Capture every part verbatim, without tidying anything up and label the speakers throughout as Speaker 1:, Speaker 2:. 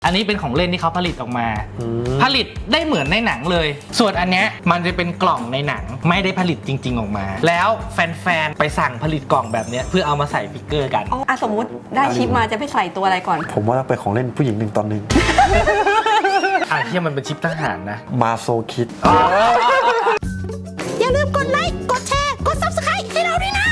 Speaker 1: อันนี้เป็นของเล่นที่เขาผลิตออกมาผลิตได้เหมือนในหนังเลยส่วนอันเนี้ยมันจะเป็นกล่องในหนังไม่ได้ผลิตจริงๆออกมาแล้วแฟนๆไปสั่งผลิตกล่องแบบเนี้ยเพื่อเอามาใส่ฟิกเกอร์กัน
Speaker 2: อ๋ออ่ะสมมุติได้ชิปมาจะไปใส่ตัวอะไรก่อน
Speaker 3: ผมว่าเป็นของเล่นผู้หญิงหนึ่งตอนหนึ่ง
Speaker 1: อ่ะที่มันเป็นชิปทหารนะ
Speaker 3: มาโซคิด
Speaker 2: อย่าลืมกดไลค์กดแชร์กด ซับสไครบ์ ให้เราด้วยนะ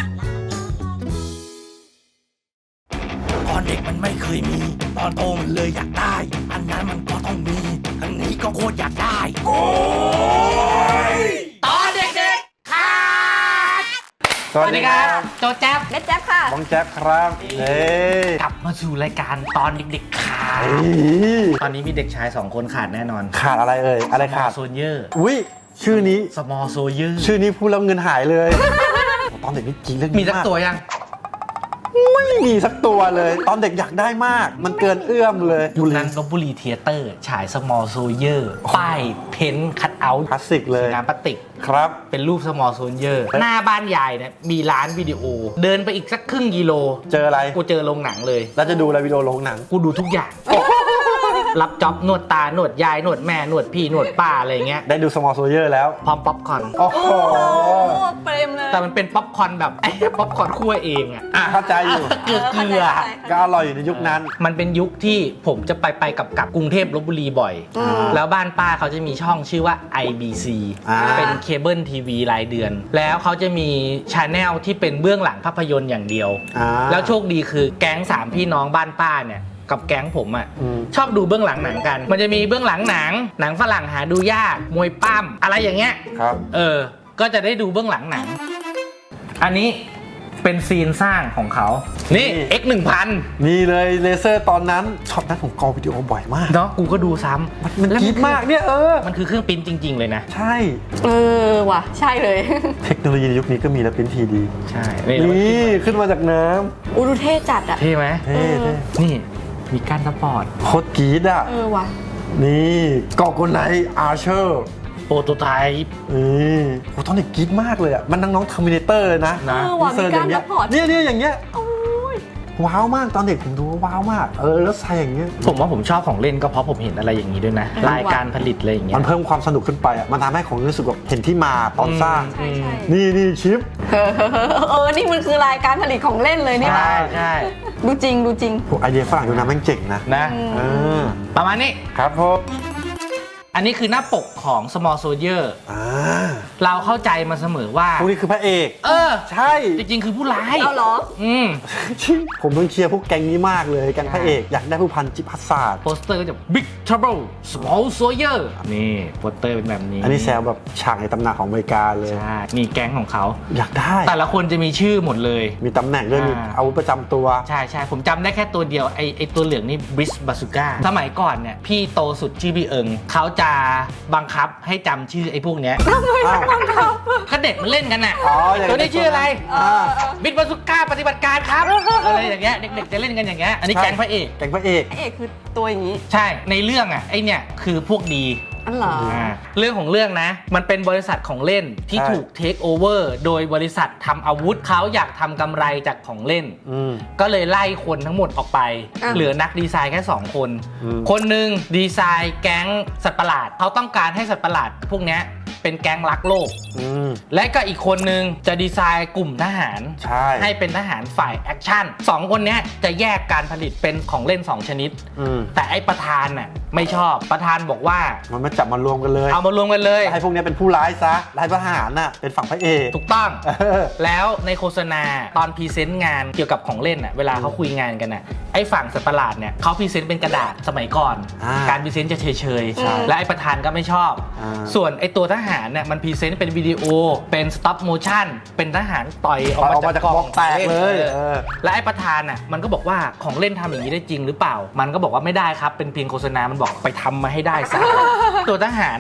Speaker 4: ตอนเด็กมันไม่เคยมีตอนโตมันเลยอยากได้อันนั้นมันก็ต้องมีอันนี้ก็โคตรอยากได้โอ้ยตอนเด็กๆค่ะ
Speaker 3: สวัสดีครับ
Speaker 1: โจแจ๊บ
Speaker 2: เม็ดแจ๊บค่ะ
Speaker 3: บ้องแจ๊บครับเฮ้ย
Speaker 1: กลับมาสู่รายการตอนเด็กๆค่ะตอนนี้มีเด็กชายสองคนขาดแน่นอน
Speaker 3: ขาดอะไรเอ่ยอะไรขาด
Speaker 1: โซเยอร์
Speaker 3: อุ้ยชื่อนี้
Speaker 1: small soldier
Speaker 3: ชื่อนี้พูดแล้วเงินหายเลยตอนเด็กนี่จริงเรื่องนี้
Speaker 1: มีสักตัวยัง
Speaker 3: ไม่มีสักตัวเลยตอนเด็กอยากได้มากมันเกินเอื้อมเลย
Speaker 1: ยุคนั้นลพบุรีเธียเตอร์ฉาย small soldier ป้ายเพ้นคัทเอาท์
Speaker 3: คลาสสิกเลย
Speaker 1: น้ำพลาสติก
Speaker 3: ครับ
Speaker 1: เป็นรูป small soldier หน้าบ้านยายเนี่ยมีร้านวิดีโอเดินไปอีกสักครึ่งกิโล
Speaker 3: เจออะไร
Speaker 1: กูเจอโรงหนังเลย
Speaker 3: แล้วจะดูอะไรวิดีโอโรงหนัง
Speaker 1: กูดูทุกอย่างรับจ็อบนวดตา นวดยาย นวดแม่ นวดพี่ นวดป้าอะไรเงี้ย
Speaker 3: ได้ดู small soldier แล้ว
Speaker 1: พร้อมป๊อปคอร์น
Speaker 3: โอ้โห
Speaker 2: เปรมเลย
Speaker 1: แต่มันเป็นป๊อปคอร์นแบบไอ้ป๊อปคอร์นคั่วเองอ่ะ
Speaker 3: เข้าใจอยู่
Speaker 1: เกลือเกลือ
Speaker 3: ก็อร่อยอยู่ในยุคนั้น
Speaker 1: มันเป็นยุคที่ผมจะไปไปกับกับกรุงเทพลพบุรีบ่อยแล้วบ้านป้าเขาจะมีช่องชื่อว่า ไอ บี ซี เป็นเคเบิลทีวีรายเดือนแล้วเขาจะมีชาแนลที่เป็นเบื้องหลังภาพยนตร์อย่างเดียวแล้วโชคดีคือแก๊งสามพี่น้องบ้านป้าเนี่ยกับแก๊งผมอ่ะชอบดูเบื้องหลังหนังกันมันจะมีเบื้องหลังหนังหนังฝรั่งหาดูยากมวยปั้มอะไรอย่างเงี้ย
Speaker 3: ครับ
Speaker 1: เออก็จะได้ดูเบื้องหลังหนังอันนี้เป็นซีนสร้างของเขานี่ เอ็กซ์ หนึ่งพัน
Speaker 3: นี่เลยเลเซอร์ตอนนั้นช็อตนั้นผมกอวิดีโอบ่อยมาก
Speaker 1: เนาะกูก็ดูซ้ำ
Speaker 3: มันมันคิดมากเนี่ยเออ
Speaker 1: มันคือเครื่องปริ้นจริงๆเลยนะ
Speaker 3: ใช่
Speaker 2: เออว่ะใช่เลย
Speaker 3: เทคโนโลยีในยุคนี้ก็มีแล้วปริ้นทีดี
Speaker 1: ใช่
Speaker 3: นี่ขึ้นมาจากน้
Speaker 2: ำอูดูเท่จัดอะ
Speaker 1: เท่ไหม
Speaker 3: เท่
Speaker 1: นี่มีการสปอร์ต
Speaker 3: โคตรกรี๊ดอ่ะ
Speaker 2: เออว่ะ
Speaker 3: นี่กอกคนไหนอาร์เชอร์
Speaker 1: โปรโตไทป์
Speaker 3: นี่โอ้ตอนเด็กกรี๊ดมากเลยอ่ะมันน้องๆเทอร์มิเนเตอร์เลยนะ
Speaker 2: นะมีการสปอร์ต
Speaker 3: เนี่ยเนี่ยอย่างเงี้ยว้าวมากตอนเด็กผมดูว้าวมากเออแล้วใส่อย่างเงี้ย
Speaker 1: ผมว่าผมชอบของเล่นก็เพราะผมเห็นอะไรอย่างนี้ด้วยนะรายการผลิตอะไรอย่างเงี้ย
Speaker 3: มันเพิ่มความสนุกขึ้นไปอ่ะมันทำให้ของรู้สึกแบบเห็นที่มาตอนสร้างนี่นี่ชิป
Speaker 2: เออนี่มันคือรายการผลิตของเล่นเลยเนี่ย
Speaker 1: ใช่ใช่
Speaker 2: ดูจริงดูจริง
Speaker 3: ไอเดียฝรั่งดูนะแม่งเจ๋งนะ
Speaker 1: นะประมาณนี้
Speaker 3: ครับผม
Speaker 1: อันนี้คือหน้าปกของ small soldier เราเข้าใจมาเสมอว่า
Speaker 3: พวกนี้คือพระเอก
Speaker 1: เออ
Speaker 3: ใช่
Speaker 1: จริงๆคือผู้ร้าย
Speaker 2: เอาเหรอ
Speaker 1: อืม
Speaker 3: ผมต้องเชียร์พวกแก๊งนี้มากเลยแก๊งพระเอกอยากได้ผู้พันจิตพัสาด
Speaker 1: โปสเตอร์ก็จะ big trouble small soldier นี่โปสเตอร์เป็นแบบนี้
Speaker 3: อันนี้แซวแบบฉากในตำนานของอเมริกาเลย
Speaker 1: ใช่นี่แก๊งของเขา
Speaker 3: อยากได้
Speaker 1: แต่ละคนจะมีชื่อหมดเลย
Speaker 3: มีตำแหน่งด้วยมีอาวุธประจำตัว
Speaker 1: ใช่ใช่ผมจำได้แค่ตัวเดียวไอไอตัวเหลืองนี่บริสบาซูก้าสมัยก่อนเนี่ยพี่โตสุดชื่อพี่เอิงเขาจะบังคับให้จำชื่อไอ้พวกเนี้ย
Speaker 2: ทำไมต้องบังคับ
Speaker 1: ก็เด็กมันเล่นกันน่ะตัวนี้ชื่ออะไรบิสบาซูก้าปฏิบัติการครับอะไรอย่างเงี้ยเด็กๆจะเล่นกันอย่างเงี้ยอันนี้แก๊งพระเอก
Speaker 3: แก๊งพระเอก
Speaker 2: พระเอกคือตัวอย่างนี้
Speaker 1: ใช่ในเรื่องอ่ะไอเนี่ยคือพวกดี
Speaker 2: อันเหรอ
Speaker 1: เรื่องของเรื่องนะมันเป็นบริษัทของเล่นที่ถูกเทคโอเวอร์โดยบริษัททำอาวุธเขาอยากทำกำไรจากของเล่นก็เลยไล่คนทั้งหมดออกไปเหลือนักดีไซน์แค่สองคนคนหนึ่งดีไซน์แก๊งสัตว์ประหลาดเขาต้องการให้สัตว์ประหลาดพวกนี้เป็นแก๊งรักโลกและก็อีกคนนึงจะดีไซน์กลุ่มทหารใ, ให้เป็นทหารฝ่ายแอคชั่นสองคนนี้จะแยกการผลิตเป็นของเล่นสองชนิดแต่ไอ้ประธานน่ะไม่ชอบประธานบอกว่า
Speaker 3: มันมาจับมารวมกันเลย
Speaker 1: เอามารวมกันเลย
Speaker 3: ให้พวกนี้เป็นผู้ร้ายซะให้ทหารน่ะเป็นฝั่งพระเอก
Speaker 1: ถูกต้องแล้วในโฆษณาตอนพรีเซนต์งานเกี่ยวกับของเล่นน่ะเวลาเขาคุยงานกันน่ะไอ้ฝั่งสัตว์ประหลาดเนี่ยเขาพรีเซนต์เป็นกระดาษสมัยก่อนการพรีเซนต์จะเฉยๆและไอ้ประธานก็ไม่ชอบส่วนไอ้ตัวทหารเนี่ยมันพรีเซนต์เป็นวิดีโอเป็นสต็อปโมชั่นเป็นทหารต่อยออกมาจากกล่อง
Speaker 3: แตกเลย
Speaker 1: และไอ้ประธานน่ะมันก็บอกว่าของเล่นทำอย่างนี้ได้จริงหรือเปล่ามันก็บอกว่าไม่ได้ครับเป็นเพียงโฆษณามันบอกไปทำมาให้ได้ซะตัวทหารน่ะ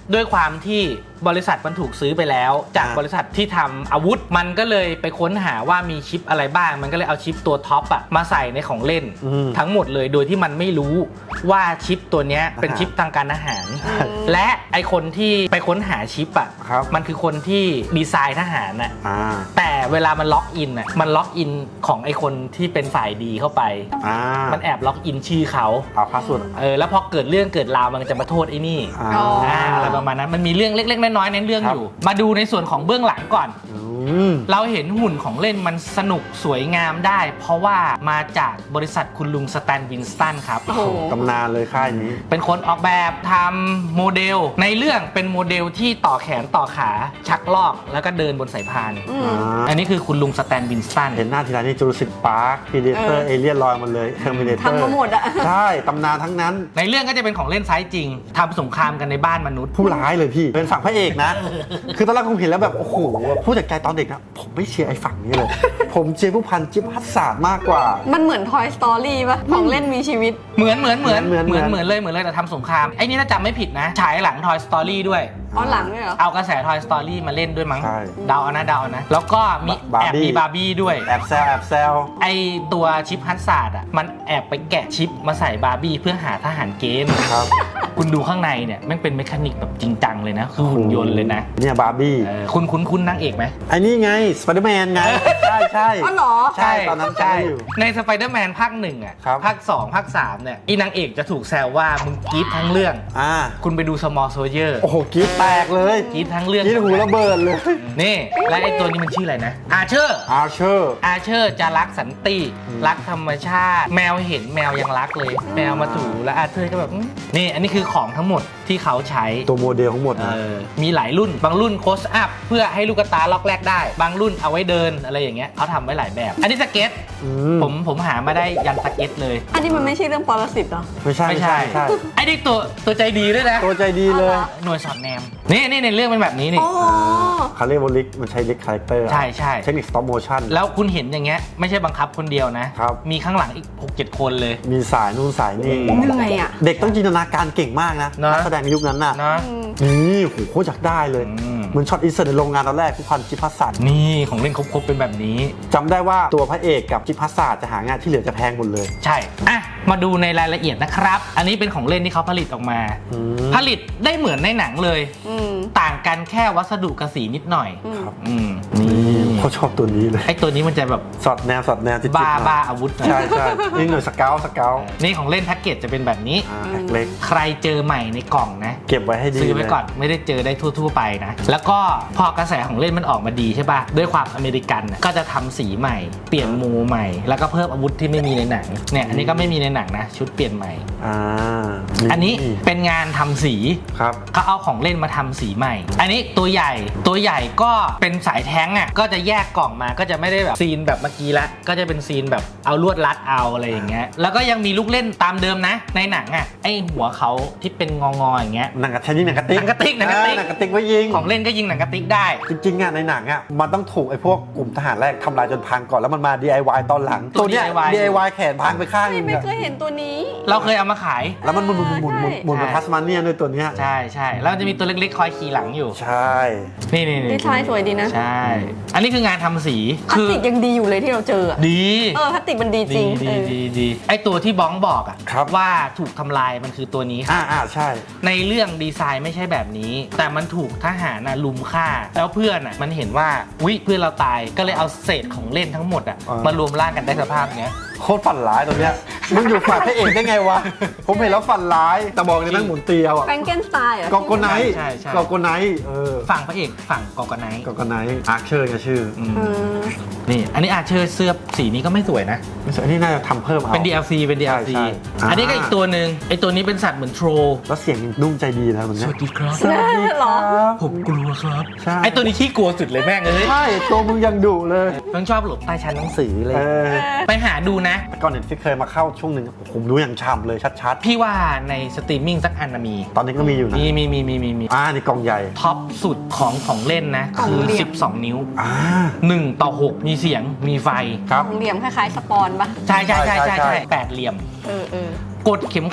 Speaker 1: ด้วยความที่บริษัทมันถูกซื้อไปแล้วจาก
Speaker 3: อ่า
Speaker 1: บริษัทที่ทำอาวุธมันก็เลยไปค้นหาว่ามีชิปอะไรบ้างมันก็เลยเอาชิปตัวท็อปอะมาใส่ในของเล่น
Speaker 3: อืม
Speaker 1: ทั้งหมดเลยโดยที่มันไม่รู้ว่าชิปตัวเนี้ยเป็นชิปทางการอาหาร และไอคนที่ไปค้นหาชิปอะ
Speaker 3: ครับ
Speaker 1: มันคือคนที่ดีไซน์ทหารอะ
Speaker 3: อ่า
Speaker 1: แต่เวลามันล็อกอินอะมันล็อกอินของไอคนที่เป็นฝ่ายดีเข้าไป
Speaker 3: อ่า
Speaker 1: มันแอบล็อกอินชื่อเขา
Speaker 3: เอาพาสเวิร์ด
Speaker 1: เออแล้วพอเกิดเรื่องเกิดราวมันจะมาโทษไอ้นี่
Speaker 3: อ่า
Speaker 2: อ๋อ
Speaker 1: อ่าอะไรประมาณนั้นมันมีเรื่องเล็กๆน้อยๆในเรื่อง
Speaker 3: ครับ
Speaker 1: อยู่ มาดูในส่วนของเบื้องหลังก่อน
Speaker 3: อืม
Speaker 1: เราเห็นหุ่นของเล่นมันสนุกสวยงามได้ เพราะว่ามาจากบริษัทคุณลุงสแตนวินสตันครับ
Speaker 2: โอ้โห
Speaker 3: ตำนานเลยค่ายนี้
Speaker 1: เป็นคนออกแบบทำโมเดล ในเรื่องเป็นโมเดลที่ต่อแขนต่อขาชักลอกแล้วก็เดินบนสายพาน
Speaker 2: อืม
Speaker 3: อ่า
Speaker 1: อันนี้คือคุณลุงสแตนวินสตัน
Speaker 3: เห็นหน้าทีไรนี่จูราสสิกพาร์คพีเดเตอ
Speaker 2: เอ
Speaker 3: ร์
Speaker 2: อ
Speaker 3: เอเลียนลอยมาเลยเทอร์มินเตอร์
Speaker 2: ทำมาหมดอะ
Speaker 3: ใช่ ตำนานทั้งนั้น
Speaker 1: ในเรื่องก็จะเป็นของเล่นไซส์จริงทำสงครามกันในบ้านมนุษย์
Speaker 3: ผู้ร้ายเลยพี่ เป็นฝั่งพระเอกนะ คือตอนแรกผมเห็นแล้วแบบ โอ้โห ผู้จัดการตอนเด็กนะ ผมไม่เชียร์ไอ้ฝั่งนี้เลย ผมเชียร์ผู้พันจิ๊บฮัสซาร์ดมากกว่า
Speaker 2: มันเหมือน Toy Story ป่ะ ของเล่นมีชีวิต
Speaker 1: เหมือนเหมือนเหมือน
Speaker 3: เหมือน
Speaker 1: เหมือน
Speaker 3: เหมือน
Speaker 1: เหมือนเลยเหมือนเลยแต่ทำสงครามไอ้นี่ถ้าจำไม่ผิดนะ ฉายหลัง Toy Story ด้วย
Speaker 2: อ๋อหลังด้วยเหรอ
Speaker 1: เอากระแส Toy Story มาเล่นด้วยมั้ง
Speaker 3: ใช่
Speaker 1: เดาเอานะเดาเอานะ แล้วก็มี
Speaker 3: บาร์
Speaker 1: แอบ
Speaker 3: บี้
Speaker 1: มีบาร์บี้ด้วย
Speaker 3: แอบแซวแอบแซว
Speaker 1: ไอตัวชิปฮัตซาร์ดอ่ะมันแอบไปแกะชิปมาใส่บาร์บี้เพื่อหาทหารเกณฑ์
Speaker 3: ครับ
Speaker 1: คุณดูข้างในเนี่ยมันเป็นเมคานิกแบบจริงจังเลยนะ คือหุ่นยนต์เลยนะ
Speaker 3: เนี่ยบาร์บี้
Speaker 1: เออคุณคุณคุณนางเอกไหม
Speaker 3: ไอ้นี่ไงสไปเดอร์แมนไง ใช่ใช่
Speaker 2: อ๋อเหรอ
Speaker 3: ใช่ตอนนั้นจำได้อยู่
Speaker 1: ในสไปเดอร์แมนภาคหนึ่งอ่ะ
Speaker 3: ครับ
Speaker 1: ภาคสองภาคสามเนี่ยอีนางเอกจะถูกแซวว่ามึงกรี๊ดทั้งเรื่อง
Speaker 3: อ่า
Speaker 1: คุณไปดู Small Soldier
Speaker 3: โอ้โหกรีดแตกเลย
Speaker 1: กรี๊ดทั้งเรื่อง
Speaker 3: กรีดหูระเบิดเลย
Speaker 1: นี่และไอตัวนี้มันชื่ออะไรนะอาเชอร์
Speaker 3: อาร์เชอร์
Speaker 1: อาเชอร์จะรักสันติ
Speaker 3: อืม
Speaker 1: รักธรรมชาติ แมวเห็นแมวยังรักเลย แมวมาถูแล้วอาเชอร์ก็แบบอื้อนี่อันนี้คือของทั้งหมดที่เขาใช้
Speaker 3: ตัวโมเดลทั้งหมด
Speaker 1: เอ
Speaker 3: นะ
Speaker 1: อมีหลายรุ่นบางรุ่นโคสอัพเพื่อให้ลูกตาล็อกแรกได้ บางรุ่นเอาไว้เดินอะไรอย่างเงี้ยเขาทำไว้หลายแบบ อันนี้สเก็ต
Speaker 3: อืม
Speaker 1: ผมผมหามาได้ยันสเก็ตเลย
Speaker 2: อันนี้มันไม่ใช่เรื่องปรสิตเหรอ
Speaker 3: ไม่ใช่ไม่ใช่ไม่ใช่
Speaker 1: ไอ้นี่ตัวตัวใจดีด้วยนะ
Speaker 3: ตัวใจดีเลย
Speaker 2: อ๋อ
Speaker 1: หน่วยสอดแนมนี่นี่ในเรื่องเป็นแบบนี้นี่
Speaker 2: อ๋อ
Speaker 3: เขาเรียกว่าลิกมันใช้ลิกคาแรคเตอร์
Speaker 1: ใช่ใช่
Speaker 3: เทคนิคสต็อปโมชั่น
Speaker 1: แล้วคุณเห็นอย่างเงี้ยไม่ใช่บังคับคนเดียวนะ
Speaker 3: ครับ
Speaker 1: มีข้างหลังอีก หกเจ็ด คนเลย
Speaker 3: มีสายนู่นสายนี่
Speaker 2: เหนื่อยอ่ะ
Speaker 3: เด็กต้องจินตนาการเก่งมากนะ
Speaker 1: นะ
Speaker 3: นักแสดงในยุคนั้นน่ะ
Speaker 1: นะ
Speaker 2: อืม
Speaker 3: นี่โหโคตรอยากได้เลย
Speaker 1: อืม
Speaker 3: เหมือนช็อตอินเสิร์ตในโรงงานตอนแรกผู้พันจิพัสสัน
Speaker 1: นี่ของเล่นครบๆเป็นแบบนี้
Speaker 3: จำได้ว่าตัวพระเอกกับจิพัสสันจะหางานที่เหลือจะแพงหมดเลย
Speaker 1: ใช่อ่ะมาดูในรายละเอียดนะครับ อันนี้เป็นของเล่นที่เขาผลิตออกมา
Speaker 3: อืม
Speaker 1: ผลิตได้เหมือนในหนังเลย
Speaker 2: อืม
Speaker 1: ต่างกันแค่วัสดุกระสีนิดหน่อย
Speaker 2: อืม
Speaker 3: ครับ
Speaker 1: อืม
Speaker 3: นี่
Speaker 1: นี่
Speaker 3: เขาชอบตัวนี้เลย
Speaker 1: ไอ้ตัวนี้มันจะแบบ
Speaker 3: สอดแนวสอดแนวจิตๆ
Speaker 1: บ้า
Speaker 3: หน่อย
Speaker 1: บ้าอาวุธหน่อย
Speaker 3: ใช่ใช่นี่หน่วยสเกลสเกล
Speaker 1: นี่ของเล่นแพ็กเกจจะเป็นแบบนี้
Speaker 3: อ่าแพ็คเล็ก
Speaker 1: ใครเจอใหม่ในกล่องนะ
Speaker 3: เก็บไว้ให้ดี
Speaker 1: ซื้อไว้
Speaker 3: เลย
Speaker 1: ก่อนไม่ได้เจอได้ทั่ว ๆ ไปนะ แล้วก็พอกระแสของเล่นมันออกมาดีใช่ป่ะ ด้วยความอเมริกันน่ะก็จะทำสีใหม่ เปลี่ยนมูใหม่ แล้วก็เพิ่มอาวุธที่ไม่มีในหนังเนี่ยอันนี้ก็ไม่มีในหนังนะ ชุดเปลี่ยนใหม่
Speaker 3: อ่า
Speaker 1: อันนี้เป็นงานทำสี
Speaker 3: ครับ
Speaker 1: เขาเอาของเล่นมาทำสีใหม่ อันนี้ตัวใหญ่ตัวใหญ่ก็เป็นสายแท้งอ่ะก็จะแยกกล่องมาก็จะไม่ได้แบบซีนแบบเมื่อกี้ละก็จะเป็นซีนแบบเอาลวดรัดเอาอะไรอย่างเงี้ยแล้วก็ยังมีลูกเล่นตามเดิมนะ ในหนังอ่ะไอหัวเขาที่เป็นงองๆอย่างเงี้ย
Speaker 3: หนังกระติกหนังกระติก
Speaker 1: หนังกระติกหนังกระติก
Speaker 3: อ่าหนังกระติกไว้ยิง
Speaker 1: ของเล่นก็ยิงหนังกระติกได้
Speaker 3: จริงๆอ่ะในหนังอ่ะมันต้องถูกไอ้พวกกลุ่มทหารแรกทำลายจนพังก่อนแล้วมันมา ดี ไอ วาย ตอนหลัง
Speaker 1: ตัว
Speaker 3: เนี้ย
Speaker 1: ดี ไอ วาย
Speaker 3: ดี ไอ วาย แขนพังไปข้างหนึง
Speaker 2: ไม่
Speaker 3: อะ
Speaker 2: เคยเห็นตัวนี้
Speaker 1: เราเคยเอามาขาย
Speaker 3: แล้วมันหมุนหมุนหมุนหมุนหมุนเหมือน
Speaker 1: ใช่
Speaker 3: ทัสมาเนียด้วยตัวเนี้ย
Speaker 1: ใช่ใช่แล้วจะมีตัวเล็กๆคอยขี่หลังอยู่
Speaker 3: ใช่
Speaker 1: นี่นี่
Speaker 2: ดีไซน์สวยดีนะ
Speaker 1: ใช่ อันนี้คืองานทำสี
Speaker 2: พลาส
Speaker 1: คือ
Speaker 2: ติกยังดีอยู่เลยที่เราเจออะ
Speaker 1: ดี
Speaker 2: เออพลาสติกมันดีจริ
Speaker 1: ดี
Speaker 2: ง
Speaker 1: ดี
Speaker 2: เออ
Speaker 1: ดีดีไอตัวที่บ้องบอกอะ
Speaker 3: ครับ
Speaker 1: ว่าถูกทำลายมันคือตัวนี้ครับ
Speaker 3: อ่าอ่าใช่
Speaker 1: ในเรื่องดีไซน์ไม่ใช่แบบนี้ แต่มันถูกทหารน่ะลุมฆ่า แล้วเพื่อนอ่ะมันเห็นว่าวิเพื่อนเราตายก็เลยเอาเศษของเล่นทั้งหมดอ่ะ
Speaker 3: อ่าม
Speaker 1: มารวมร่างกันได้สภาพเนี้ย
Speaker 3: โคตรฝันร้ายตัวเนี้ยมึงอยู่ฝ่ายพระเอกได้ไงวะ ผมเห็นแล้วฝันร้ายแต่บอกเลยแม่งหมุนเตียวอ่ะ
Speaker 2: แฟรงเกนสไตน์เหร
Speaker 3: กอโกไนท์
Speaker 1: ใช่ใช่
Speaker 3: กอโกไนท์เออ
Speaker 1: ฝั่งพระเอกฝั่งกอกไนท์
Speaker 3: กอโกไนท์อาร์เชอร์ไงชื่อ
Speaker 1: อืม
Speaker 2: เออ
Speaker 1: นี่อันนี้อาเชอร์เสื้อสีนี้ก็ไม่สวยนะ
Speaker 3: ไม่ใช่อันนี้น่าจะทำเพิ่มเอา
Speaker 1: เป็น ดี แอล ซี เป็น ดี แอล ซี
Speaker 3: ใช่ใช่
Speaker 1: อันนี้ก็อีกตัวหนึ่งไอตัวนี้เป็นสัตว์เหมือนโทร
Speaker 3: แล้วเสียงนุ่มใจดีนะมัน
Speaker 1: ส
Speaker 3: เนี้ย
Speaker 1: วัสดีครับ
Speaker 3: สวัสดีครับ
Speaker 1: ผมกลัวครับ
Speaker 3: ใช่
Speaker 1: ไอตัวนี้ขี้กลัวสุดเลยแม่งเอ้ย
Speaker 3: ใช่ตัวมึงยังดุเลย
Speaker 1: มันชอบหลบใต้ชั้นหนังสือเลย
Speaker 3: เออ
Speaker 1: ไปหาดูนะ
Speaker 3: แต่ก่อนเน็ตฟิกเคยมาเข้าช่วงหนึ่งผมดูอย่างช่ำเลยชัด
Speaker 1: พี่ว่าในสตรีมมิ่งสักอันนะมี
Speaker 3: ๆ ตอนนี้ก็มีอยู่นะ
Speaker 1: มีมีมีมีมีมี
Speaker 3: อ่านี่กล่องใหญ่
Speaker 1: ท็อปสุดของของเล่นนะ
Speaker 2: กล่อง
Speaker 1: คือ
Speaker 2: เหลี่ยม
Speaker 1: สิบสอง นิ้ว
Speaker 3: อ่า
Speaker 1: หนึ่งต่อหกมีเสียงมีไฟ
Speaker 3: ครับ
Speaker 2: ของเหลี่ยมคล้ายๆสปอนปะ
Speaker 1: ใช่ใช่ใช่
Speaker 3: ใช่
Speaker 1: ใช่
Speaker 3: ใช่
Speaker 1: ใช่แปดเหลี่ยม
Speaker 2: เออเออก
Speaker 1: ดเข็มขัด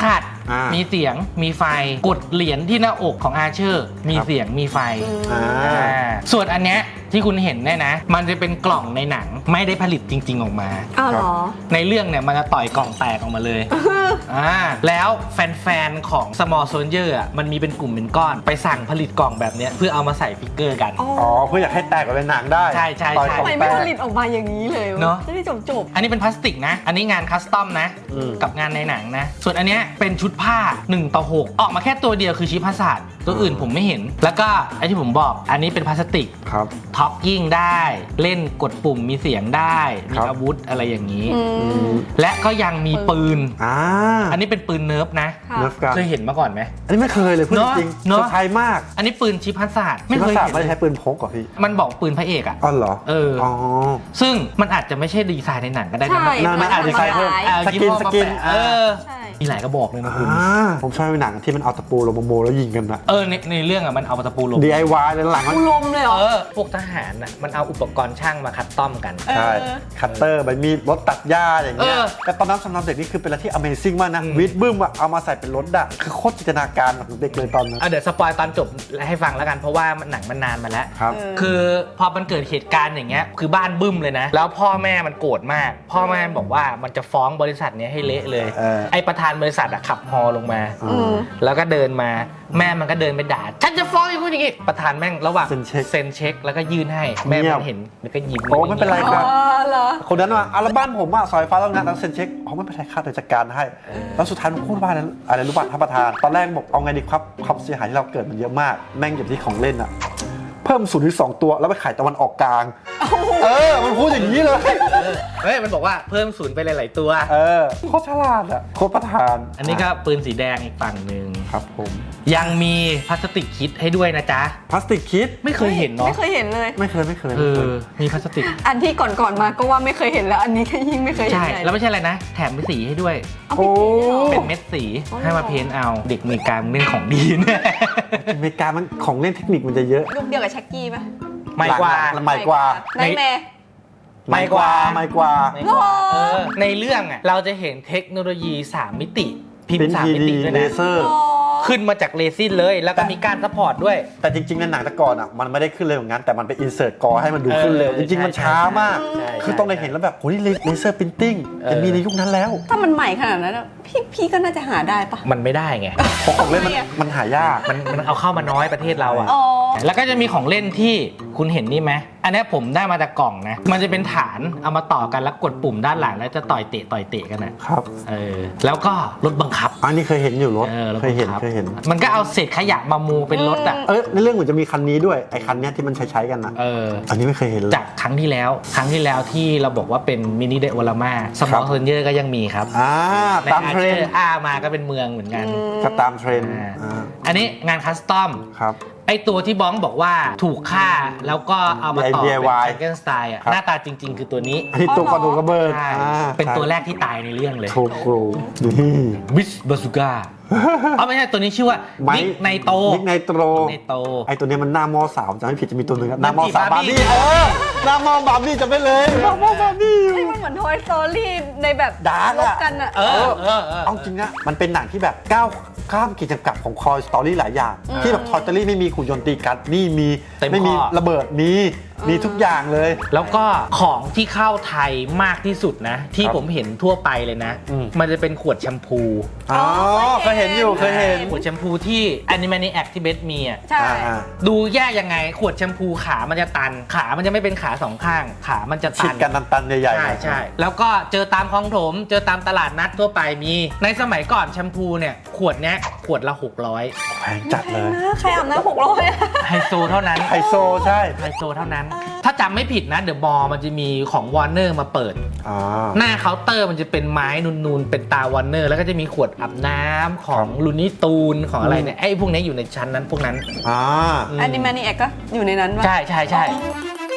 Speaker 3: อ่ามี
Speaker 1: มีเสียงมีไฟกดเหรียญที่หน้าอกของอาเชอร์มี
Speaker 3: ครับ
Speaker 1: เสียงมีไฟ
Speaker 3: อ่า
Speaker 1: อ่าส่วนอันเนี้ยที่คุณเห็นเนี่ยนะ มันจะเป็นกล่องในหนังไม่ได้ผลิตจริง ๆ ออกมา
Speaker 2: อ้าวเหรอ
Speaker 1: ในเรื่องเนี่ยมันจะต่อยกล่องแตกออกมาเลย อ่าแล้วแฟนๆของ Small Soldier อ่ะมันมีเป็นกลุ่มเป็นก้อนไปสั่งผลิตกล่องแบบเนี้ยเพื่อเอามาใส่ฟิกเกอร์กัน
Speaker 2: อ๋อ
Speaker 3: อ๋อเพื่ออยากให้แตกออกเป็นหนังได้
Speaker 1: ใช่ใช่
Speaker 3: ต่อย
Speaker 1: ใช่
Speaker 3: ขอ
Speaker 2: ทำ
Speaker 3: ง
Speaker 2: ไม
Speaker 3: แต
Speaker 2: ไม่ผ
Speaker 3: ก
Speaker 2: ลิตออกมาอย่างนี้เลยว
Speaker 1: เนอะ
Speaker 2: จะได้จบจบ
Speaker 1: อันนี้เป็นพลาสติกนะ อันนี้งานคัสตอมนะ
Speaker 3: อืม
Speaker 1: กับงานในหนังนะ ส่วนอันเนี้ยเป็นชุดผ้าหนึ่งต่อหกออกมาแค่ตัวเดียวคือชิปพาสาดตัวอื่นผมไม่เห็น แล้วก็ไอที่ผมบอกอันนี้เป็นพลาสติก
Speaker 3: ครับ
Speaker 1: ท็อกกิ้งได้เล่นกดปุ่มมีเสียงได้มี
Speaker 3: ครับ
Speaker 1: อาวุธอะไรอย่างนี้
Speaker 2: อืม
Speaker 1: และก็ยังมีปืน
Speaker 3: อ่า
Speaker 1: อันนี้เป็นปืนเนิร์ฟนะ
Speaker 2: ค่ะ
Speaker 3: เนิร์ฟกัน
Speaker 1: เคยเห็นมาก่อนไหม
Speaker 3: อันนี้ไม่เคยเลยพูด
Speaker 1: เนอะ
Speaker 3: จริง
Speaker 1: เนอะ
Speaker 3: เซอร์ไพรส์มาก
Speaker 1: อันนี้ปืนชิปพาสาดไม่
Speaker 3: ไม่
Speaker 1: เคย
Speaker 3: เคย
Speaker 1: เห็น
Speaker 3: ไม่ได้
Speaker 1: เล
Speaker 3: ใช้
Speaker 1: ย
Speaker 3: ปืนพกเหรอพี่
Speaker 1: มันบอกปืนพระเอกอะ
Speaker 3: อ๋อเหรอ
Speaker 1: เอออ๋
Speaker 3: อ๋อ
Speaker 1: ซึ่งมันอาจจะไม่ใช่ดีไซน์ในหนังก็ได้
Speaker 2: ใช่
Speaker 1: นะ
Speaker 3: มันอาจจะดีไซน์เพิ่ม
Speaker 1: อ่า
Speaker 3: สกิน
Speaker 1: ยี่ห้อ
Speaker 3: สกิน
Speaker 1: มาแปะเออ
Speaker 2: ใช่
Speaker 1: มีหลายกระบอกเลยนะคุณ
Speaker 3: อ่าผมชอบในหนังที่มันเอาตะปูลงมาโมแล้วยิงกันอะ
Speaker 1: เออในในเรื่องอะมันเอาตะปูลง
Speaker 3: ดี ไอ วาย เลยหลังมัน
Speaker 2: กูลมเลยเหรอ
Speaker 1: เออพวกทหารอะมันเอาอุปกรณ์ช่างมาคัดต้อมกัน
Speaker 2: เออ
Speaker 3: ใช่ คัตเตอร์ใบมีดรถตัดหญ้าอย่างเงี้ย
Speaker 1: เออ
Speaker 3: แต่ตอนนั้นสำหรับเด็กนี่คือเป็นอะไรที่ Amazing มากนะ
Speaker 1: อืม
Speaker 3: วิดบึ้มอะเอามาใส่เป็นรถอะคือโคตรจินตนาการของเด็กเลยตอนนั้น
Speaker 1: อ่ะเดี๋ยวสปอยตอนจบให้ฟังแล้วกันเพราะว่ามันหนังมันนานมาแล้ว
Speaker 3: ครับ
Speaker 2: เออ
Speaker 1: คือพอมันเกิดเหตุการณ์อย่างเงี้ยคือบ้านบึ้มเลยนะ แล้วพ่อแม่มันโกรธมาก พ่อแม่บอกว่ามันจะฟ้องบริษัทเนี้ยให้เละเลย
Speaker 3: เออ
Speaker 1: ไอประธานบริษัทอะขับฮอลงมา
Speaker 2: อืม
Speaker 1: แล้วก็เดินมาแม่มันก็เดินไปด่าฉันจะฟ้องอย่างนู้นอย่างงี้ประธานแม่งระหว่าง
Speaker 3: เซ็นเช็ค
Speaker 1: เซ็นเช็คแล้วก็ยื่นให้แม่
Speaker 3: เงีย
Speaker 1: มั
Speaker 3: บ
Speaker 1: นเห็นแล้วก็ยิ้ม
Speaker 3: โอ้ไม่เป็นไร
Speaker 2: อ๋อเหรอ
Speaker 3: คนนั้นว่าอัลบั้มผมอะซอยฟ้าแล้วงานแล้วเซ็นเช็คอ๋อไม่เป็นไรค่าเดี๋ยวจัดการให้ แล้วสุดท้ายมันพูดว่าอะไรอะไรรู้ป่ะท่านประธาน ตอนแรกบอกเอาไงดีครับความเสียหายที่เราเกิดมันเยอะมาก แม่งอยู่ที่ของเล่นอะเพิ่มศูนย์ถึงสองตัวแล้วไปขายตะวันออกกลาง เออ มันพูดอย่างนี้เลย
Speaker 1: เออเฮ้ยมันบอกว่าเพิ่มศูนย์ไปหลายๆตัว
Speaker 3: เออโคตรฉลาดอะโคตรประธาน
Speaker 1: อันนี้ก็ปืนสีแดงอีกฝั่งหนึ่ง
Speaker 3: ครับผม
Speaker 1: ยังมีพลาสติกคิดให้ด้วยนะจ๊ะ
Speaker 3: พลาสติกคิด
Speaker 1: ไม่เคยเห็นเนาะ
Speaker 2: ไม่เคยเห็นเลย
Speaker 3: ไม่เคยไม่เคย
Speaker 1: เอ
Speaker 3: ไม่เค
Speaker 1: อย มีพลาสติก
Speaker 2: อันที่ก่อนๆมาก็ว่าไม่เคยเห็นแล้ว อันนี้ก็ยิ่งไม่เคยเห็น
Speaker 1: ใช่
Speaker 2: ใหญ่
Speaker 1: แล้วไม่ใช่อะไรนะ แถมเป็นสีให้ด้วย
Speaker 2: เอาไปกินด้วยเหรอ
Speaker 1: เป็นเม็ดสี
Speaker 2: อ๋อ
Speaker 1: ให้มาเพ้นท์เอาเด็กอเมริกามันเล่นของดีเนี่ย
Speaker 3: อเมริกามันของเล่นเทคนิคมันจะเยอะ
Speaker 2: ลูกเดียวกับชักกี้ป่ะ
Speaker 1: ไม่กว่า
Speaker 3: หลังๆใหม่กว่า
Speaker 2: ไนท์แมร์
Speaker 3: ไม่กว่าไม่กว่า
Speaker 1: ไม่กว่า
Speaker 2: หรอ
Speaker 1: เออในเรื่องอ่ะเราจะเห็นเทคโนโลยีสามมิติ พิม
Speaker 3: เป็น
Speaker 1: พ์สาม
Speaker 3: ที
Speaker 1: มิ
Speaker 3: ดี
Speaker 1: ติด้วย
Speaker 3: เล
Speaker 1: นะ
Speaker 3: เซอร์
Speaker 1: ขึ้นมาจากเรซินเลย แล้วก็มีการซัพพอร์ตด้วย
Speaker 3: แต่จริงๆในหนังแต่ก่อนอ่ะมันไม่ได้ขึ้นเร็วอย่างนั้นแต่มันไปอินเสิร์ตกอให้มันดูขึ้นเร็ว
Speaker 1: เออ
Speaker 3: จริงๆมันช้ามาก
Speaker 1: ใช่ใช่
Speaker 3: คือต้องได้เห็นแล้วแบบโหนี่เลเซอร์พิมพ์ติ้ง
Speaker 1: เออ
Speaker 3: จะมีในยุคนั้นแล้ว
Speaker 2: ถ้ามันใหม่ขนาดนั้นอะพี่พี่ก็น่าจะหาได้ปะ
Speaker 1: มันไม่ได้ไง
Speaker 3: เพราะของเล่นมัน
Speaker 2: ทำไมอะ
Speaker 3: มันหายาก
Speaker 1: มันมันเอาเข้ามาน้อยประเทศเราอ่ะ
Speaker 2: อ๋อ
Speaker 1: แล้วก็จะมีของเล่นที่คุณเห็นนี่ไหมอันเนี้ยผมได้มาจากกล่องนะ มันจะเป็นฐานเอามาต่อกันแล้วกดปุ่มด้านหลังแล้วจะต่อยเตะต่อยเตะกันนะครับ เออแล้วก็รถบังคับ
Speaker 3: อันนี้เคยเห็นอยู่รถ
Speaker 1: เออรถ
Speaker 3: เคยเห็น
Speaker 1: บังคับ
Speaker 3: เคยเห็น
Speaker 1: มันก็เอาเศษขยะมามูเป็นรถอ่ะ
Speaker 3: เออในเรื่องเหมือนจะมีคันนี้ด้วยไอ้คันเนี้ยที่มันใช้ใช้ๆกันนะ
Speaker 1: เออ
Speaker 3: อันนี้ไม่เคยเห็นเลย
Speaker 1: จากครั้งที่แล้ว ครั้งที่แล้วที่เราบอกว่าเป็นมินิเดวอลาม่าสม
Speaker 3: ครั
Speaker 1: อบ ลเซนเยอร์ก็ยังมีครับ
Speaker 3: อ่า
Speaker 1: ใน
Speaker 3: ตาม
Speaker 1: อา
Speaker 3: เทร
Speaker 1: เช
Speaker 3: น
Speaker 1: อ
Speaker 3: ด์
Speaker 1: ร์อามาก็เป็นเมืองเหมือนกัน
Speaker 3: ก็ตามเทรนด์
Speaker 1: อ่า
Speaker 3: อ่า
Speaker 1: อันนี้งานคัสตอม
Speaker 3: ครับ
Speaker 1: ไอตัวที่บ้องบอกว่าถูกฆ่าแล้วก็เอามาต่อเป็น
Speaker 3: ดี ไอ วาย
Speaker 1: แฟรงเกนสไตน์อ่ะ
Speaker 3: ครับ
Speaker 1: หน้าตาจริง ๆ คือตัวนี้
Speaker 3: อันนี้ตัวกระดูกกระเบิด
Speaker 1: ใช่
Speaker 3: อ่า
Speaker 1: เป็นตัวแรกที่ตายในเรื่องเลย
Speaker 3: โชโกรนี่
Speaker 1: บิชบาซูก้าเอาไม่ใช่ตัวนี้ชื่อว่า
Speaker 3: ไม้
Speaker 1: นิกไนโต
Speaker 3: นิกไนโตร
Speaker 1: ไนโต
Speaker 3: ไอตัวเนี้ยมันหน้ามอสาวจำไม่ผิดจะมีตัวหนึ่งอะหน้ามอ
Speaker 1: มันจีบ
Speaker 3: สาวบา
Speaker 1: บาร์
Speaker 3: ร์
Speaker 1: บี้
Speaker 3: บี้เออหน้ามอบาร์บี้จำได้เลยหน้ามอบาร์บี้
Speaker 2: เฮ้ยมันเหมือนทอยสตอรี่ในแบบ
Speaker 3: ดาร์ก
Speaker 2: ล
Speaker 3: อะ
Speaker 2: บกันอะ
Speaker 1: เออเออเออ
Speaker 3: เอาจริงนะมันเป็นหนังที่แบบก้าวข้ามขีดจำกัดของคอยสตอรี่หลายอย่าง ที่แบบทอยสตอรี่ไม่มีขุนยนต์ตีกันนี่มี
Speaker 1: เต็ม
Speaker 3: ไม่มี
Speaker 1: ข้อ
Speaker 3: ระเบิดมีมีทุกอย่างเลย
Speaker 1: แล้วก็ของที่เข้าไทยมากที่สุดนะ ที่
Speaker 3: ครับ
Speaker 1: ผมเห็นทั่วไปเลยนะ
Speaker 3: อืม
Speaker 1: มันจะเป็นขวดแชมพู
Speaker 3: อ๋อเคยเห็นอยู่เคยเห็น
Speaker 1: ขวดแชมพูที่ Animaniacs ที่เบสมีอ่ะ
Speaker 2: ใช่
Speaker 3: อ่า
Speaker 1: ดูแยกยังไงขวดแชมพูขามันจะตัน ขามันจะไม่เป็นขาสองข้าง ขามันจะ
Speaker 3: ฉี
Speaker 1: ตั
Speaker 3: ด
Speaker 1: น
Speaker 3: กันตันๆใหญ่ๆ
Speaker 1: ใช่ใช่แล้วก็เจอตามคลองถม เจอตามตลาดนัดทั่วไปมี ในสมัยก่อนแชมพูเนี่ยขวดเนี้ยขวดละหกร้อย
Speaker 3: แพงจัดเลย
Speaker 2: นะใครอาบน้ำหกร้อยอะ
Speaker 1: ไฮโซเท่านั้น
Speaker 3: ไฮโซใช่
Speaker 1: ไฮโซเท่านั้น ถ้าจำไม่ผิดนะเดอะมอลมันจะมีของวอร์เนอร์มาเปิด
Speaker 3: อ่า
Speaker 1: หน้าเคาน์เตอร์มันจะเป็นไม้นูนๆ เป็นตาวอร์เนอร์ แล้วก็จะมีขวดอาบน้ำของลูนี่ตูนของอะไรเนี่ยไอ้พวกนี้อยู่ในชั้นนั้นพวกนั้น
Speaker 3: อ่า
Speaker 2: แอนิมานีแอกก็อยู่ในนั้นปะ
Speaker 1: ใช่ใช่ใช่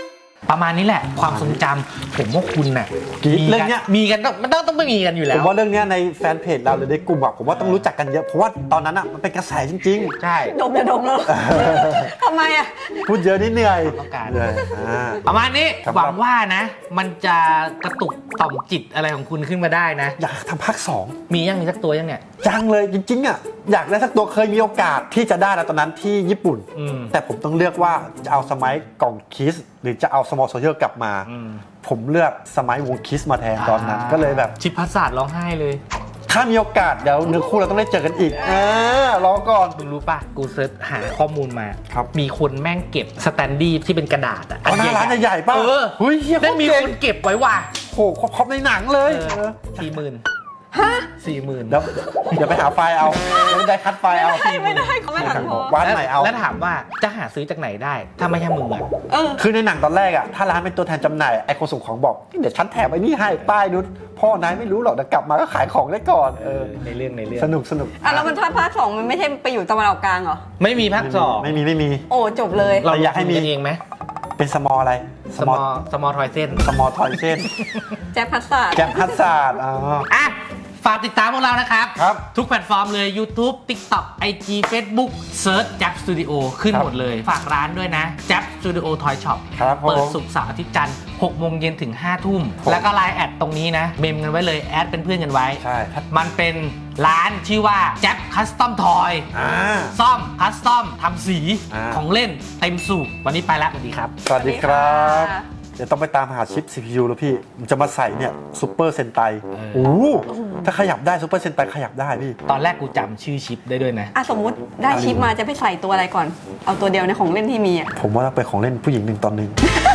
Speaker 1: ประมาณนี้แหละความทรงจำผมว่าคุณน่ะ
Speaker 3: กรี๊ด
Speaker 1: มี
Speaker 3: เรื่
Speaker 1: กั
Speaker 3: องเนี้ย
Speaker 1: มีกันต้องมันต้องต้องไม่มีกันอยู่แล้
Speaker 3: ผ
Speaker 1: ว
Speaker 3: มว่าเรื่องเนี้ยในแฟนเพจเราหรือในกลุ่มอะผมว่าต้องรู้จักกันเยอะเพราะว่าตอนนั้นอะมันเป็นกระแสจริง
Speaker 1: ใช่
Speaker 2: ดมจะดมแล้วทำไมอ่ะ
Speaker 3: ๆ พูดเยอะนี่เหนื่อย
Speaker 1: ต้องการ
Speaker 3: เหนื่อยอ่า
Speaker 1: ประมาณนี้
Speaker 3: ครับ
Speaker 1: หวังว่านะ มันจะกระตุกต่อมจิตอะไรของคุณขึ้นมาได้นะ
Speaker 3: อยากทำภาคสอง
Speaker 1: มียังมีสักตัวยังเนี่ย
Speaker 3: ยังเลยจริงๆอะอยากได้สักตัวเคยมีโอกาสที่จะได้แล้วตอนนั้นที่ญี่ปุ่น
Speaker 1: อืม
Speaker 3: แต่ผมต้องเลือกว่าจะเอาสมัยกล่องคิสหรือจะเอาสมอลโซเชียลกลับมา
Speaker 1: อืม
Speaker 3: ผมเลือกสมัยวงคิสมาแทนตอนนั้น ก็เลยแบบ
Speaker 1: ชิปพัสสาดร้องไห้เลย
Speaker 3: ถ้ามีโอกาสเดี๋ยวเนื้อคู่เราต้องได้เจอกันอีกเออรอก่อน
Speaker 1: มึงรู้ป่ะ กูเซิร์ชหาข้อมูลมา
Speaker 3: ครับ
Speaker 1: มีคนแม่งเก็บสแตนดี้ที่เป็นกระดาษอะ
Speaker 3: อ๋อหน้าร้านใหญ่ๆป่ะ
Speaker 1: เออ
Speaker 3: เฮ้ยเฮีย
Speaker 1: ได้มี
Speaker 3: เก่
Speaker 1: ค
Speaker 3: ง
Speaker 1: นเก็บไว้ว่ะ
Speaker 3: โหครบในหนังเลย
Speaker 1: สี่หมื่นสี่หมื่น
Speaker 3: เดี๋ยวเดี๋ยวไปหาไฟล์เอาเดี๋ยวได้คัดไฟล์เอา
Speaker 2: ไม่ได้ไม่ได้เขาไม่หันพอ
Speaker 3: วานใหม่เอา
Speaker 1: แล้วถามว่าจะหาซื้อจากไหนได้ ถ้าไม่ใช่มึงอะ
Speaker 2: เออ
Speaker 3: คือในหนังตอนแรกอะถ้าร้านเป็นตัวแทนจำหน่ายไอ้คนส่งของบอกเดี๋ยวฉันแถมไอ้นี่ให้ป้ายนุชพ่อนายไม่รู้หรอกเดี๋ยวกลับมาก็ขายของได้ก่อนเออ
Speaker 1: ในเรื่องในเรื่อง
Speaker 3: สนุกสนุก
Speaker 2: อ่ะแล้วมันถ้าภาคสองมันไม่ใช่ไปอยู่ตะวันออกกลางเหรอ
Speaker 1: ไม่มีภาคสอง
Speaker 3: ไม่มีไม่มี
Speaker 2: โอ้จบเลย
Speaker 1: เรา
Speaker 3: อยากให้มี
Speaker 1: กันเองไหม
Speaker 3: เป็นสมออะไร
Speaker 1: สมอสมอทอยเส้น
Speaker 3: สมอทอยเส้น
Speaker 2: แจ็คพัสสา
Speaker 3: แกมพัสซาดอ๋อ
Speaker 1: อ่ะ ฝากติดตามพวกเรานะครับ
Speaker 3: ครับ
Speaker 1: ทุกแพลตฟอร์มเลย YouTube TikTok ไอ จี Facebook เซิร์ชจับสตูดิโอขึ้น
Speaker 3: ครับ
Speaker 1: หมดเลย ฝากร้านด้วยนะจับสตูดิโอทอยช็อป
Speaker 3: ครับผม
Speaker 1: เปิดศุกร์เสาร์อาทิตย์จันทร์หกโมงเย็นถึงห้าทุ่ม
Speaker 3: ผม
Speaker 1: แล้วก็ไลน์แอดตรงนี้นะ เมมกันไว้เลย แอดเป็นเพื่อนกันไว้
Speaker 3: ใช่ถ้า
Speaker 1: มันเป็นร้านชื่อว่าจับคัสตอมทอย
Speaker 3: อ่า
Speaker 1: ซ่อมคัสตอมทำสี
Speaker 3: อ่า
Speaker 1: ของเล่นเต็มสูบวันนี้ไปแล้วสวัสดีครับ
Speaker 3: สวัสดีครับ
Speaker 2: สวัสดีค่ะ
Speaker 3: เดี๋ยวต้องไปตามหาชิป ซี พี ยู แล้วพี่มันจะมาใส่เนี่ยซูเปอร์เซนไต
Speaker 1: เออ
Speaker 3: โอ้โหถ้าขยับได้ซูเปอร์เซนไตขยับได้พี่
Speaker 1: ตอนแรกกูจำชื่อชิปได้ด้วยนะ
Speaker 2: อ่ะสมมุติได้ชิปมาจะไปใส่ตัวอะไรก่อน เอาตัวเดียวในของเล่นที่มีอ่ะ
Speaker 3: ผมว่าต้องเป็นของเล่นผู้หญิงหนึ่งตอนหนึ่ง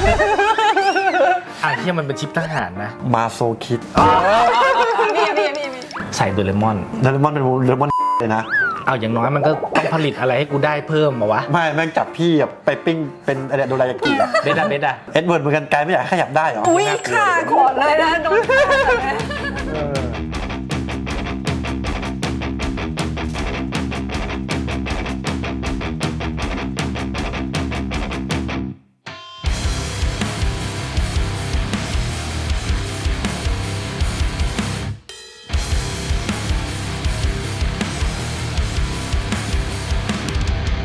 Speaker 1: อ่ะที่มันเป็นชิปทหารนะ
Speaker 3: มาโซคิด
Speaker 2: พี่พี่พี่พี่
Speaker 1: ใส่โดเรมอน
Speaker 3: เดลมอนเป็นเดลมอนเลยนะ
Speaker 1: เอาอย่างน้อยมันก็ต้องผลิตอะไรให้กูได้เพิ่มมาวะ
Speaker 3: ไม่แม่งจับพี่แบบไปปิ้งเป็นอะไรโดรายากิอะ
Speaker 1: เบดอะเบดอะ
Speaker 3: เอ็ดเวิร์ดเหมือนกันไกลไม่อยากให้ขยับได้เหรอ
Speaker 2: อุ้ยค่ะขอดเลยนะโดนฆ่าเลย